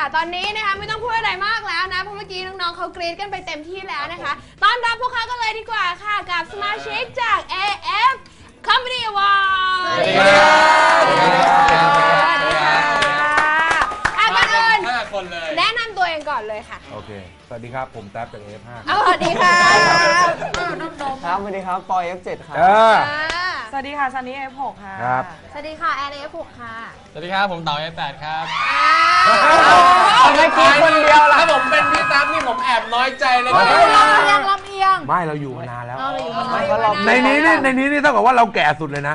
ตอนนี้นะคะไม่ต้องพูดอะไรมากแล้วนะเพราะเมื่อกี้น้องๆเขากรี๊ดกันไปเต็มที่แล้วนะคะต้อนรับพวกเขากันเลยดีกว่าค่ะกับสมาชิกจาก AF Comedy Award สวัสดีค่ะก่อนอื่น 5 คนเลยแนะนำตัวเองก่อนเลยค่ะโอเคสวัสดีครับผมแท็บจาก F5 สวัสดีค่ะครับสวัสดีครับปอย F7 ครับสวัสดีค่ะซันนี่ F6 ค่ะครับสวัสดีค่ะแอน F6 ค่ะสวัสดีครับผมเต๋า F8 ครับทำไมกินคนเดียวล่ะถ้าผมเป็นพี่ตั๊บนี่ผมแอบน้อยใจเลยนะลำเอียงไม่เราอยู่มานานแล้วในนี้เท่ากับว่าเราแก่สุดเลยนะ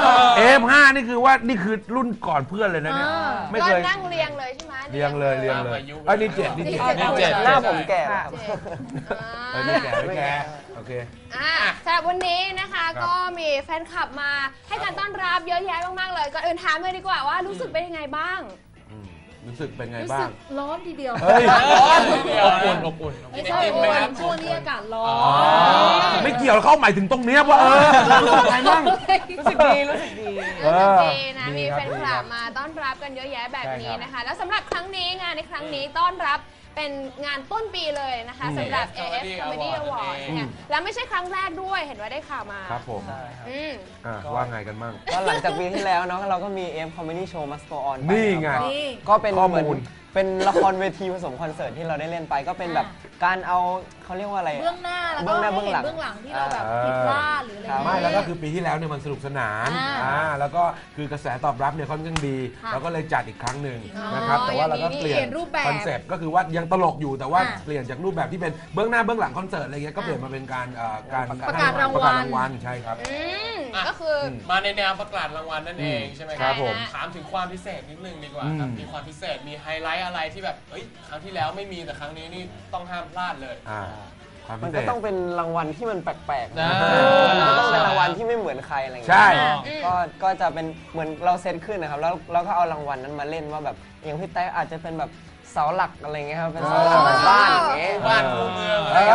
F5 นี่คือว่านี่คือรุ่นก่อนเพื่อนเลยนะเนี่ยไม่เคยนั่งเรียงเลยใช่ไหมเรียงเลยอันนี้7นี่ 7หน้าผมแก่ไม่แก่โอเคสำหรับวันนี้นะคะก็มีแฟนคลับมาให้การต้อนรับเยอะแยะมากๆเลยก่อนอื่นถามเลยดีกว่าว่ารู้สึกเป็นยังไงบ้างรู้สึกเป็นไงบ้างร้อนทีเดียวอบอุ่นไม่ใช่ช่วงนี้อากาศร้อนไม่เกี่ยวเข้าหมายถึงตรงนี้ว่ารู้สึกไงบ้างรู้สึกดีนะมีแฟนคลับมาต้อนรับกันเยอะแยะแบบนี้นะคะแล้วสำหรับครั้งนี้งานในครั้งนี้ต้อนรับเป็นงานต้นปีเลยนะคะสำหรับ AF Comedy Award เนี่ยแล้วไม่ใช่ครั้งแรกด้วยเห็นว่าได้ข่าวมาครับผมว่าไงกันบ้างก็หลังจากปีที่แล้วเนาะเราก็มี AF Comedy Show Must Go On นี่ไงก็เป็นเหมือนเป็นละครเวทีผสมคอนเสิร์ตที่เราได้เล่นไปก็เป็นแบบการเอาเขาเรียกว่าอะไรเบื้องหน้าแล้วก็เบื้องหลังที่เราแบบผิดพลาดหรืออะไรไม่แล้วก็คือปีที่แล้วเนี่ยมันสนุกสนานแล้วก็คือกระแสตอบรับเนี่ยค่อนข้างดีเราก็เลยจัดอีกครั้งหนึ่งนะครับแต่ว่าเราก็เปลี่ยนคอนเซ็ปต์ก็คือว่ายังตลกอยู่แต่ว่าเปลี่ยนจากรูปแบบที่เป็นเบื้องหน้าเบื้องหลังคอนเสิร์ตอะไรเงี้ยก็เปลี่ยนมาเป็นการประกาศรางวัลใช่ครับก็คือมาในแนวประกาศรางวัลนั่นเองใช่ไหมครับผมถามถึงความพิเศษนิดนึงดีกว่าครับมีความพิเศษมีไฮไลท์อะไรที่แบบครั้งที่แล้วไม่มีแต่ครั้งนี้นี่ต้องห้ามพลาดเลยมันก็ต้องเป็นรางวัลที่มันแปลกๆมันก็ต้องเป็นรางวัลที่ไม่เหมือนใครอะไรเงี้ยใช่ก็จะเป็นเหมือนเราเซตขึ้นนะครับแล้วเราก็เอารางวัลนั้นมาเล่นว่าแบบอย่างพี่แต๊กอาจจะเป็นแบบเสาหลักอะไรเงี้ยครับเป็นเสาหลักบ้านอย่างเงี้ยบ้านคูเมือง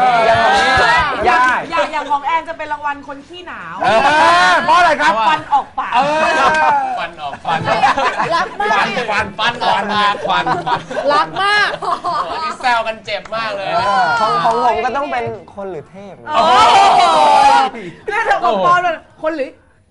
อย่างของแอนจะเป็นรางวัลคนขี้หนาวเพราะอะไรครับฟันออกปากฟันออกฟันรักมากฟันออกปากฟันรักมากนี่แซวกันเจ็บมากเลยของผมก็ต้องเป็นคนหรือเทพน่าจะของปอนคนหรือ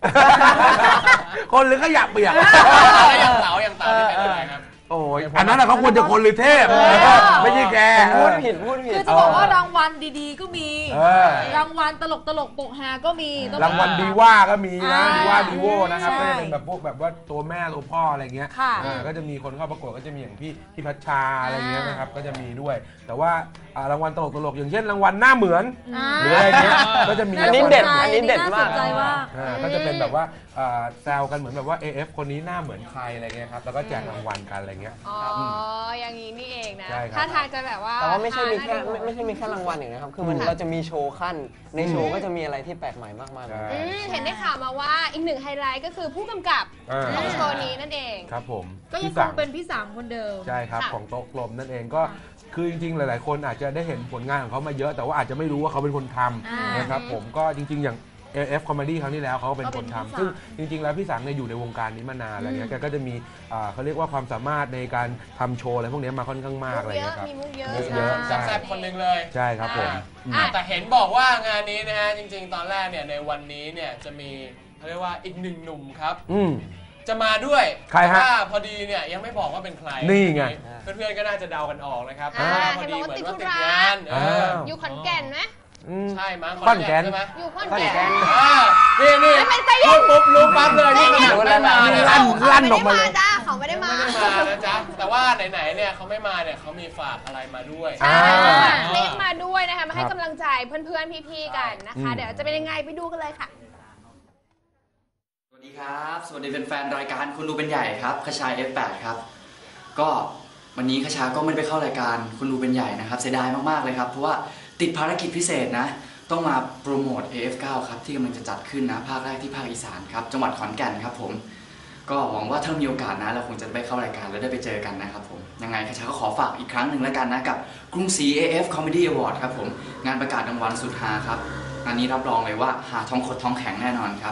ขยะเปียกอย่างเต๋าที่เป็นอะไรครับโอ้ยอันนั้นเขาควรจะคนหรือเทพไม่ใช่แกพูดผิดคือจะบอกว่ารางวัลดีๆก็มีรางวัลตลกปกฮาก็มีรางวัลดีว่าก็มีนะดีว่าดีโวนะครับก็จะเป็นแบบพวกแบบว่าตัวแม่ตัวพ่ออะไรเงี้ยก็จะมีคนเข้าประกวดก็จะมีอย่างพี่พัชชาอะไรเงี้ยนะครับก็จะมีด้วยแต่ว่ารางวัลตลกอย่างเช่นรางวัลหน้าเหมือนหรืออะไรเงี้ยก็จะมีอันนี้เด็ดมากก็จะเป็นแบบว่าแซวกันเหมือนแบบว่า AF คนนี้หน้าเหมือนใครอะไรเงี้ยครับแล้วก็แจกรางวัลกันอะไรเงี้ยอย่างนี้นี่เองนะถ้าทางจะแบบว่าแต่ว่าไม่ใช่มีแค่รางวัลอย่างนี้ครับคือมันเราจะมีโชว์ขั้นในโชว์ก็จะมีอะไรที่แปลกใหม่มากมายเห็นได้ข่าวมาว่าอีกหนึ่งไฮไลท์ก็คือผู้กำกับของโชว์นี้นั่นเองครับผมก็ยังคงเป็นพี่สามคนเดิมใช่ครับของโต๊ะกลมนั่นเองก็คือจริงๆหลายๆคนอาจจะได้เห็นผลงานของเขามาเยอะแต่ว่าอาจจะไม่รู้ว่าเขาเป็นคนทำนะครับผมก็จริงๆอย่างAF Comedy ครั้งที่แล้วเขาเป็นคนทำซึ่งจริงๆแล้วพี่สังเนี่ยอยู่ในวงการนี้มานานอะไรเงี้ยแกก็จะมีเขาเรียกว่าความสามารถในการทำโชว์อะไรพวกนี้มาค่อนข้างมากอะไรเงี้ยครับมีมุกเยอะแซ่บคนหนึ่งเลยใช่ครับผมแต่เห็นบอกว่างานนี้นะฮะจริงๆตอนแรกเนี่ยในวันนี้เนี่ยจะมีเขาเรียกว่าอีกหนึ่งหนุ่มครับจะมาด้วยใครฮะพอดีเนี่ยยังไม่บอกว่าเป็นใครนี่ไงเพื่อนๆก็น่าจะเดากันออกนะครับพอดีเหมือนว่าติดงานอยู่ขอนแก่นไหมใช่มั้งขอนแก่นใช่ไหมอยู่ขอนแก่นนี่รู้ปั๊บเลยนี่ลั่นออกมาเลยเขาไม่ได้มานะจ๊ะแต่ว่าไหนๆเนี่ยเขาไม่มาเนี่ยเขามีฝากอะไรมาด้วยคลิปมาด้วยนะคะมาให้กำลังใจเพื่อนๆพี่ๆกันนะคะเดี๋ยวจะเป็นยังไงไปดูกันเลยค่ะสวัสดีครับสวัสดีแฟนๆรายการคุณดูเป็นใหญ่ครับคชา F8 ครับก็วันนี้คชาก็ไม่ไปเข้ารายการคุณดูเป็นใหญ่นะครับเสียดายมากๆเลยครับเพราะว่าติดภารกิจพิเศษนะต้องมาโปรโมท AF9 ครับที่กำลังจะจัดขึ้นนะภาคแรกที่ภาคอีสานครับจังหวัดขอนแก่นครับผมก็หวังว่าถ้ามีโอกาสนะเราคงจะไปเข้ารายการแล้วได้ไปเจอกันนะครับผมยังไงคชาก็ขอฝากอีกครั้งหนึ่งแล้วกันนะกับกรุงศรี AF Comedy Award ครับผมงานประกาศรางวัลสุดฮาครับอันนี้รับรองเลยว่าหาทองขดทองแข็งแน่นอนครับแ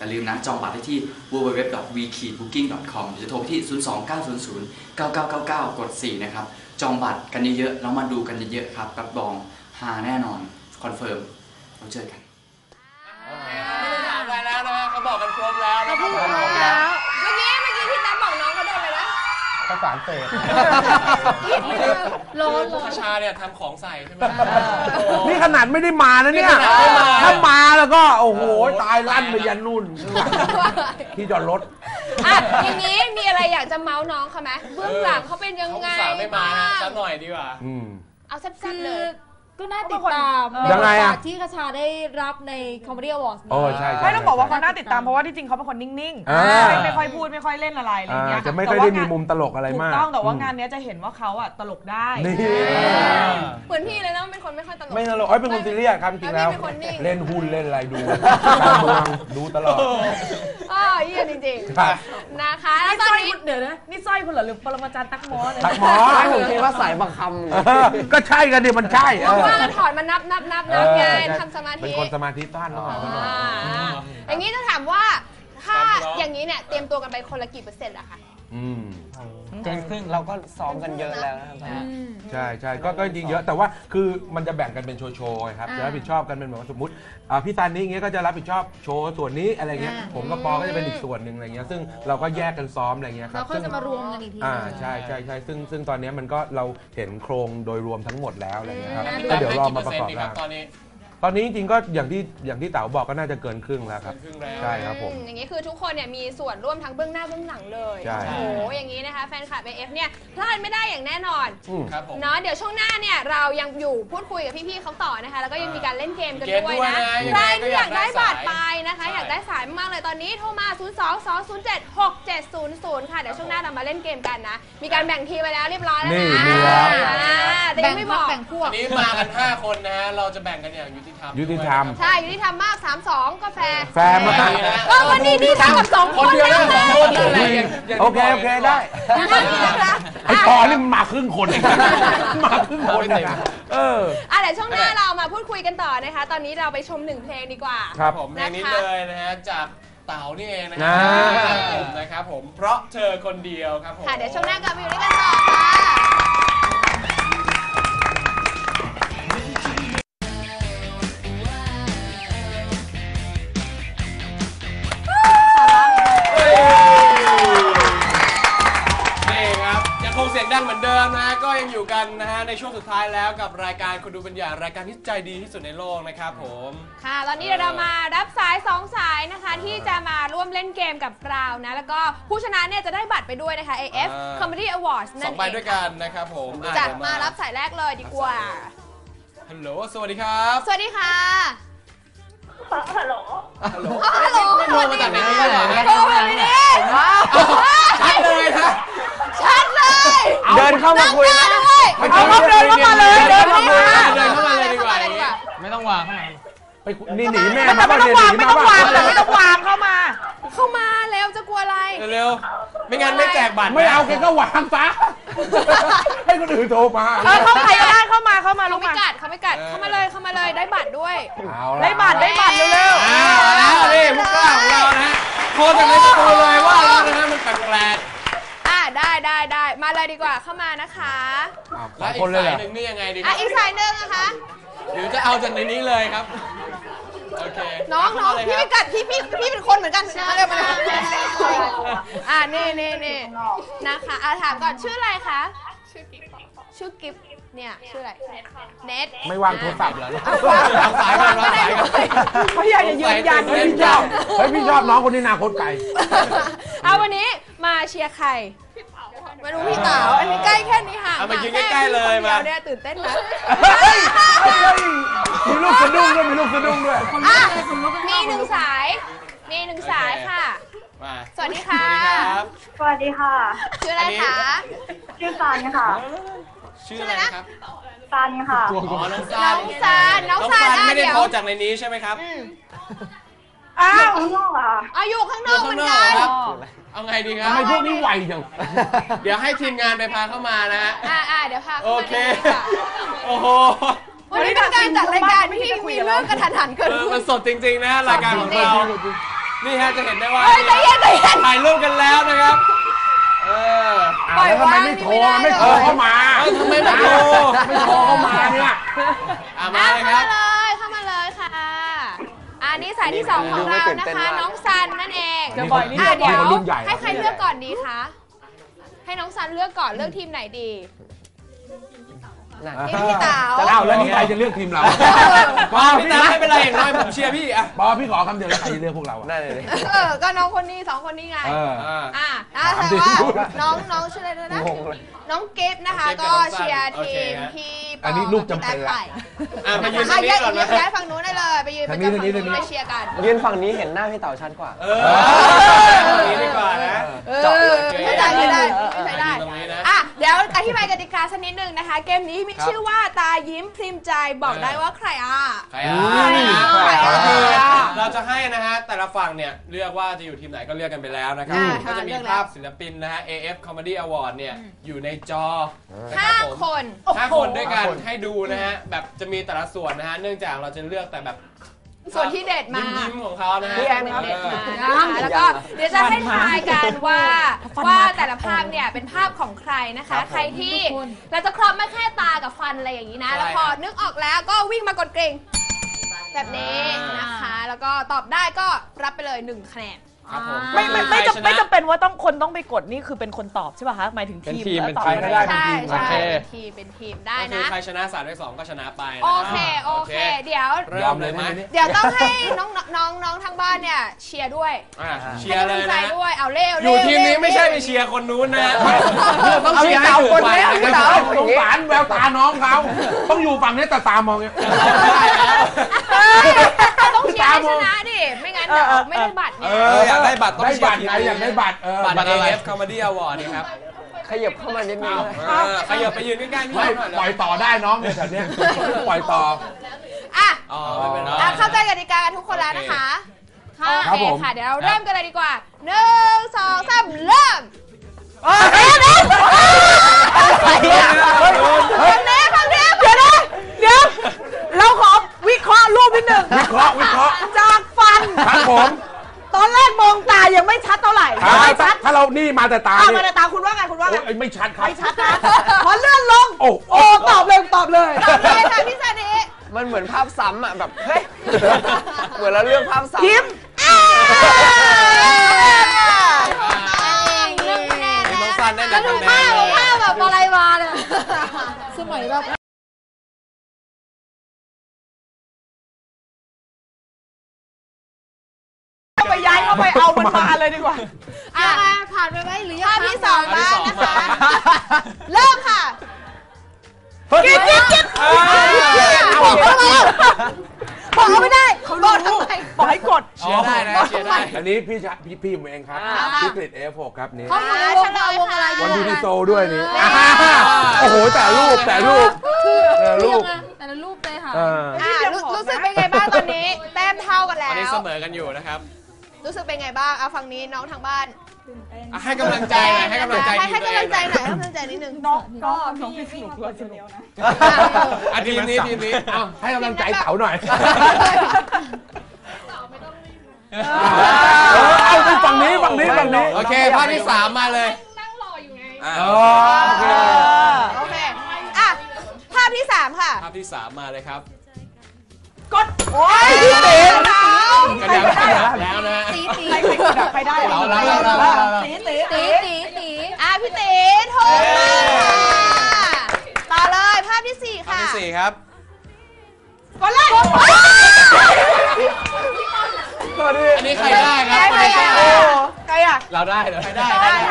อย่าลืมนะจองบัตรได้ที่ www.vkbooking.com หรือจะโทรไปที่ 02900 9999 กด 4 นะครับจองบัตรกันเยอะๆแล้วมาดูกันเยอะๆครับรับรองฮาแน่นอนคอนเฟิร์มเราเจอกันไม่ต้องถามอะไรแล้วนะเขาบอกกันครบแล้วนะครับเมื่อกี้ที่แต้มบอกน้องเขาโดนเลยนะประสานเสพร้อนคชาเนี่ยทำของใส่ใช่ไหมนี่ขนาดไม่ได้มานะเนี่ยนี่ขนาดไม่มาถ้ามาแล้วก็โอ้โหตายลั่นไปยันนู่นที่จอดรถอ่ะอย่างนี้มีอะไรอยากจะเมาส์น้องเขาไหมเบื้องหลังเขาเป็นยังเขาไงสาไม่มาบ้างสักหน่อยดีกว่าเอาแซ่คืบอๆเลยก็น่าติดตามยังไงอะที่คชาได้รับใน Comedy Awards โอ้ใช่ไม่ต้องบอกว่าเขาน่าติดตามเพราะว่าที่จริงเขาเป็นคนนิ่งอ่าๆไม่ค่อยพูดไม่ค่อยเล่นอะไรอะไรเงี้ยจะไม่ค่อยได้มีมุมตลกอะไรถูกมากต้องแต่ว่างานเนี้ยจะเห็นว่าเขาอะตลกได้นี่เหมือนพี่เลยนะเป็นคนไม่ค่อยตลกไม่ตลกเป็นคนซีเรียสครับจริงๆแล้วเป็นคนนิ่งเล่นหุ้นเล่นอะไรดูการเมืองดูตลอดเยี่ยมจริงครับๆนะคะแล้วนี่ตสอนร้อยนี้คุณเดี๋ยวนะนี่สร้อยคุณเหรอหรือปรมาจารย์ตักหมอเนี่ยตักหมอผมคิดว่าสายบังคก็ใช่กันดิมันใช่ว่ากันถอดมานับไงทำสมาธิเป็นคนสมาธิสั้นต้องหาตลอดอย่างนี้จะถามว่าถ้าอย่างนี้เนี่ยเตรียมตัวกันไปคนละกี่เปอร์เซ็นต์อะคะำเกินครึ่งเราก็ซ้อมกันเยอะแล้วนะครับใช่ใช่ก็จริงเยอะแต่ว่าคือมันจะแบ่งกันเป็นโชว์ๆไงครับจะรับผิดชอบกันเป็นแบบว่าสมมติพี่ซันนี่อย่างเงี้ยก็จะรับผิดชอบโชว์ส่วนนี้อะไรเงี้ยผมกับปอก็จะเป็นอีกส่วนหนึ่งอะไรเงี้ยซึ่งเราก็แยกกันซ้อมอะไรเงี้ยครัแล้บวค่อยจะมารวมกันอีกทีใช่ซึ่งตอนนี้มันก็เราเห็นโครงโดยรวมทั้งหมดแล้วอะไรเงี้ยครับพี่ก็แต้มเดี๋ยวให้รอกี่มาเปอปร์ระเซ็นกอบต์ดีคร่ารับงตอนนี้ตอนนี้จริงๆก็อย่างที่เต๋าบอกก็น่าจะเกินครึ่งแล้วครับครึ่งแล้วใช่ครับผมอย่างนี้คือทุกคนเนี่ยมีส่วนร่วมทั้งเบื้องหน้าเบื้องหลังเลยใช่โอ้โหอย่างนี้นะคะแฟนคลับ AF เนี่ยพลาดไม่ได้อย่างแน่นอนครับผมเนาะเดี๋ยวช่วงหน้าเนี่ยเรายังอยู่พูดคุยกับพี่ๆเขาต่อนะคะ แล้วก็ยังมีการเล่นเกมกันเกมด้วยด้วยนะนะใครที่อยากได้ยังไงก็อยากได้บัตรไปสายนะคะใช่อยากได้สายมากๆเลยตอนนี้โทรมา 022076700 ค่ะเดี๋ยวช่วงหน้าเรามาเล่นเกมกันนะ มีการแบ่งทีมไปแล้วเรียบร้อยแล้วนี่นะมีแล้วแต่ยังไม่บอกแบ่งพวกอันนี้มากัน 5 คนนะฮะเราจะแบ่งกันอย่างยุติธรรมยุติธรรมใช่อยู่ที่ทำมาก 3-2ก็แฟร์แฟร์มากก็วันนี้นี่ทำกับ2 คนคนเดียวนะนะคะ 2 คนอะไรอย่างโอเคได้นะคะไอ้ปอนี่มันมาครึ่งคนเองมาครึ่งคนเองนะเดี๋ยวช่วงหน้าเรามาพูดคุยกันต่อนะคะ ตอนนี้เราไปชม1 เพลงดีกว่าครับผมเพลงนี้เลยนะฮะจากเต๋านี่เองนะคอ่าผมนะครับผมเพราะเธอคนเดียวครับผมค่ะเดี๋ยวช่วงหน้ากลับมาอยู่ด้วยกันต่อค่ะนี่ครับยังคงเสียงดังเหมือนเดิมนะก็ยังอยู่กันนะฮะในช่วงสุดท้ายแล้วกับรายการคนดูเป็นอย่างรายการที่ใจดีที่สุดในโลกนะครับผมค่ะ ตอนนี้เดี๋ยวเรามารับสาย 2 สายนะคะ ที่จะมาร่วมเล่นเกมกับเรานะ แล้วก็ผู้ชนะเนี่ยจะได้บัตรไปด้วยนะคะ AF Comedy Awards นั่สอน งเอใบงด้วยกันนะครับผมจัดเดี๋ยวมารับสายแรกเลยดีกว่าฮัลโหลสวัสดีครับสวัสดีค่ะฮัลโหลฮัลโหลโทรมาจากไหนเนี่ยโทรมาไม่ได้ชัดเลยนะชัดเลยเดินเข้ามาคุยนะด้วยเอาเขาเดินเข้ามาเลยเดินเข้ามาเดินเข้ามาเลยดีกว่าไม่ต้องวางข้างในไปนี่หนีแม่แต่ไม่ต้องวางไม่ต้องวางแต่ไม่ต้องวางเข้ามาเข้ามาแล้วจะกลัวอะไรเร็วๆไม่งั้นไม่แจกบัตรนะไม่เอาแกก็วางซะให้คนอื่นโทรมาเข้าใครก็ได้เข้ามาลูเขากไม่มากัดเข้ามาเลยได้บัตรด้วยเอาละได้บัตรเร็วแล้วนี่ผู้กล้าของเรานะโทรจากในประตูเลยว่าแล้วนะฮะมันแปลกได้มาเลยดีกว่าเข้ามานะคะๆแล้วอีคนกเลยเหรสายอหนึ่งนี่ยังไงดีครัอีกสายหนึ่งนะคะหรือจะเอาจากในนี้เลยครับโอเคน้องเข้ามาเลยพี่คไม่รับกัดพี่เป็นคนเหมือนกันมาเลยนี่นะคะถามก่อนชื่ออะไรคะชื่อกิฟเนี่ยชื่ออะไรเน็ตไม่วางโทรศัพท์เหรอวางสายก่อนวางสายก่อนๆเขาอยากจะยืนยันเฮ้ยพี่ชอบพี่ชอบน้องคนนี้นาคตไก่เอาวันนี้มาเชียร์ใครมาดูพี่เต๋าอันนี้ใกล้แค่นี้ห่างเอามายืนใกล้ๆเลยมามาเนี่ยตื่นเต้นไหมมีลูกสะดุ้งด้วยมีลูกสะดุ้งด้วยอ่ะมีหนึ่งสายค่ะมาสวัสดีค่ะสวัสดีครับสวัสดีค่ะชื่ออะไรคะชื่อซันค่ะชื่ออะไรนะครับซันค่ะอ๋อน้องซานน้องซานไม่ได้เดี๋ยวโทรจากในนี้ใช่ไหมครับอ้าวข้างนอกอ่ะอยู่ข้างนอกเหมือนข้างนกัอน กครับเอาไงดีครับทำไมพวกนี้ไวจังเดี๋ยวให้ทีมงานไปพาเข้ามานะฮะเดี๋ยวพาโอเข้ามาเคดีกว่าโอ้โหวันนี้เป็นการจัดรายการที่มีเรื่องกระทันหันเกิดเออขึ้มัน นสดจริงๆนะรายการของเรานี่ฮะจะเห็นได้ว่าเฮ้ยใจเย็นใจเย็นถ่ายรูปกันแล้วนะครับปล่อยแล้วทำไมวางไม่โทรนี่ไม่ได้ไม่โทรเข้ามาทำไมไม่โทรไม่โทรเข้ามาเนี่ยมาเลยครับเข้ามาเลยค่ะอันนี้สายที่สองของเรานะคะ น้องซันนั่นเองเดี๋ยวบ่อยนิดเดี๋ยวคนรุ่นใหญ่ให้ใครเลือกก่อนดีคะ ให้น้องซันเลือกก่อนเลือกทีมไหนดี ทีมพี่เต๋าอ้าวแล้วนี่ใครจะเลือกทีมเราปอพี่พี่ตาไม่เป็นไรอย่างน้อยผมเชียร์พี่อะปอพี่ขอคำเดียวแล้วใครจะเลือกพวกเราอะได้เลยก็น้องคนนี้สองคนนี้ไง แต่ว่าน้องชื่ออะไรด้วยนะงงเลยน้องกิฟต์นะคะก็เชียร์ทีมพี่ปออันนี้ลูกจำเป็นละมายืนตรงนี้ก่อนนะย้ายฝั่งนู้นได้เลยไปยืนประจำฝั่งนู้นไปเชียร์กันยืนฝั่งนี้เห็นหน้าพี่เต๋าชัดกว่าตรงนี้ดีกว่านะไม่ได้ไม่ได้ตรงนี้นะเดี๋ยวอธิบายกติกาสักนิดนึงนะคะ เกมนี้มีชื่อว่าตายิ้มพริมใจบอกได้ว่าใครใครเราจะให้นะฮะแต่ละฝั่งเนี่ยเลือกว่าจะอยู่ทีมไหนก็เลือกกันไปแล้วนะครับก็จะมีภาพศิลปินนะฮะ AF Comedy Award เนี่ยอยู่ในจอ 5 คน 5 คนด้วยกันให้ดูนะฮะแบบจะมีแต่ละส่วนนะฮะเนื่องจากเราจะเลือกแต่แบบส่วนที่เด็ดมายิ้มของเขานะฮะแล้วก็เดี๋ยวจะให้ทายกันว่าแต่ละภาพเนี่ยเป็นภาพของใครนะคะใครที่เราจะครอบไม่แค่ตากับฟันอะไรอย่างนี้นะแล้วพอนึกออกแล้วก็วิ่งมากดกริ่งแบบนี้นะคะแล้วก็ตอบได้ก็รับไปเลย1 คะแนนไม่จำเป็นว่าต้องไปกดนี่คือเป็นคนตอบใช่ป่ะคะหมายถึงทีมเป็นทีมก็ได้ใช่เป็นทีมได้นะใครชนะ3 ใน 2ก็ชนะไปโอเคเดี๋ยวเริ่มเลยไหมเดี๋ยวต้องให้น้องทางบ้านเนี่ยเชียร์ด้วยเชียร์เลยนะด้วยเอาเร็วอยู่ทีมนี้ไม่ใช่ไปเชียร์คนนู้นนะต้องเชียร์ให้ถูกไปพี่เต๋าสงสารแววตาน้องเขาต้องอยู่ฝั่งนี้แต่ตามองเนี่ยต้องเชียร์ให้ชนะดิไม่งั้นเดี๋ยวไม่ได้บัตรเนี่ยอยากได้บัตรต้องเชียร์ไงอยากได้บัตรอะไร AF Comedy Award นี่ครับขยับเข้ามานิดนึงขยับไปยืนใกล้ๆพี่ปล่อยต่อได้น้องเนี่ยแบบนี้ปล่อยต่อไม่เป็นไรเข้าใจกติกาทุกคนแล้วนะคะโอเคค่ะเดี๋ยวเราเริ่มกันเลยดีกว่า1 2 3เริ่มเดี๋ยวเราขอวิเคราะห์รูปนิดนึงวิเคราะห์จากฟันครับผมตอนแรกมองตายังไม่ชัดเท่าไหร่ไม่ชัดถ้าเรานี่มาแต่ตามาแต่ตาคุณว่าไงไม่ชัดครับไม่ชัดนะพอเลื่อนลงโอ้ตอบเลยค่ะพี่ซานิมันเหมือนภาพซ้ำอ่ะแบบเฮ้ยเหมือนเราเลือกภาพซ้ำยิ้มแล้วดูภาพแบบอะไรมาเนี่ยสมัยแบบไปย้ายเข้าไปเอามันมาเลยดีกว่าผ่านไปไหมหรือภาพที่2บ้างนะคะเริ่มค่ะกิ๊บบอกเขาไม่ได้เขารู้บอกให้กดเชียร์ได้นะเชียร์ได้อันนี้พี่ผมเองครับพี่กฤษ F6 ครับนี่เฉลยค่ะวันดูที่โซด้วยนี่โอ้โหแต่รูปแต่ละรูปเลยค่ะรู้สึกเป็นไงบ้างตอนนี้แต้มเท่ากันแล้วตอนนี้เสมอกันอยู่นะครับรู้สึกเป็นไงบ้างเอาฝั่งนี้น้องทางบ้านให้กำลังใจหน่อยให้กำลังใจนิดนึงน้องพี่สนุกด้วยสนุกนะทีมนี้ให้กำลังใจเต๋าหน่อยเอาฝั่งนี้โอเคภาพที่3มาเลยนั่งรออยู่ไงโอเคภาพที่3ค่ะภาพที่3มาเลยครับกดโอ้ยพี่เต๋กระดับแล้วนะตีใครได้เราตีพี่เต๋โทรต่อเลยภาพที่4ค่ะภาพที่4ครับกดเลยอันนี้ใครได้ครับใครอ่ะเราได้เหรอใครได้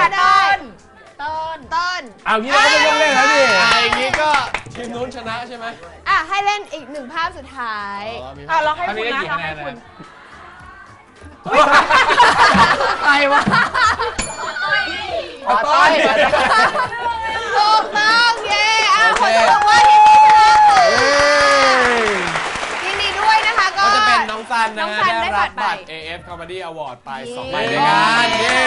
ต้นเอางี้เราก็ไม่ต้องเล่นแล้วนี่อย่างนี้ก็ทีมนู้นชนะใช่ไหมให้เล่นอีก1ภาพสุดท้ายเราให้คุณนะเราให้คุณใครวะต้นถูกต้องเย้ขอจะบอกว่าทีมนี้ชนะยินดีด้วยนะคะก็จะเป็นน้องซันนะฮะได้รับบัตร AF Comedy Award ไป2 ใบด้วยกันเย้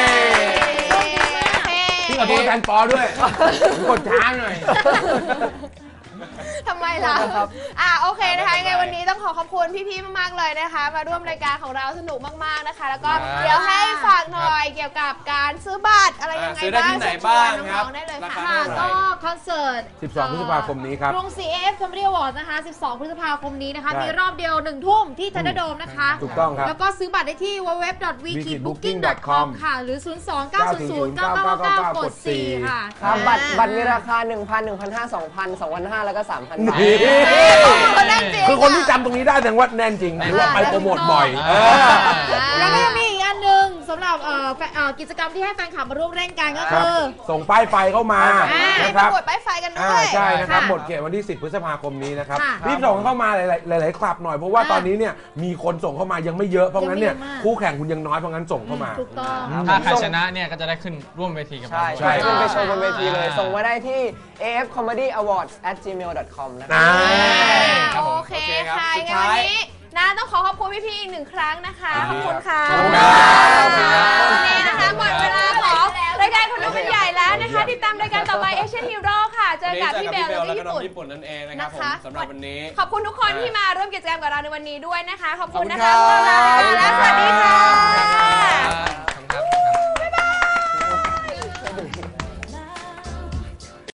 พี่ขอโทษแทนปอด้วยกดช้าหน่อยทำไมล่ะโอเคนะคะยังไงวันนี้ต้องขอบคุณพี่ๆมากๆเลยนะคะมาร่วมรายการของเราสนุกมากๆนะคะแล้วก็เดี๋ยวให้ฝากหน่อยเกี่ยวกับการซื้อบัตรอะไรยังไงซื้อได้บ้างที่ไหนบ้างครับน้องๆได้เลยราค่ะคาเท่าไหร่ก็คอนเสิร์ต 12 พฤษภาคมนี้ครับกรุงศรี AF Comedy Awards นะคะ 12 พฤษภาคมนี้นะคะใช่มีรอบเดียว 1 ทุ่มที่ทันเดอร์โดมนะคะถูกต้องครับแล้วก็ซื้อบัตรได้ที่ www.wikibooking.com ค่ะ หรือ 029009999 กด 4 ค่ะครับบัตรมีราคา 1,000 1,500 2,000 2,500 แล้วก็ 3,000 บาทคนนั่งจริงคือคนที่จำตรงนี้ได้แสดงว่าแน่นจริงหรือว่าไปโปรโมทบ่อยแล้วก็ยังมีอีกอันหนึ่งสำหรับกิจกรรมที่ให้แฟนคลับมาร่วมเล่นกันก็ครับคือส่งป้ายไฟเข้ามานะคปรับระกวดป้ายไฟกันด้วยใช่นะครับค่ะหมดเขตวันที่ 10 พฤษภาคมนี้นะครับค่ะรีบส่งเข้ามาหลายๆคลับหน่อยเพราะว่าตอนนี้เนี่ยมีคนส่งเข้ามายังไม่เยอะเพราะงั้นเนี่ยยังไม่เยอะมากคู่แข่งคุณยังน้อยเพราะงั้นส่งเข้ามาถูกต้องครับถ้าใครชนะเนี่ยก็จะได้ขึ้นร่วมเวทีกับเราใช่ใช่ขึ้นไปโชว์บนเวทีเลย ส่งมาได้ที่ afcomedyawards@gmail.com นะครัครับโอเคค่ะยังไงวันนี้นะต้องขอบคุณพี่ๆอีกหนึ่งครั้งนะคะขอบคุณค่ะขอบคุณครับวันนี้นะคะหมดเวลาของรายการคนดูเป็นใหญ่แล้วนะคะติดตามรายการต่อไป Asian Hero ค่ะเจอกับพี่เบลและพี่แล้วก็น้องญี่ญี่ปุ่นปุ่นนั่นเองนะครับผมสำหรับวันนี้ขอบคุณทุกคนที่มาร่วมกิจกรรมกับเราในวันนี้ด้วยนะคะ ขอบคุณนะขอบคะคุณครับ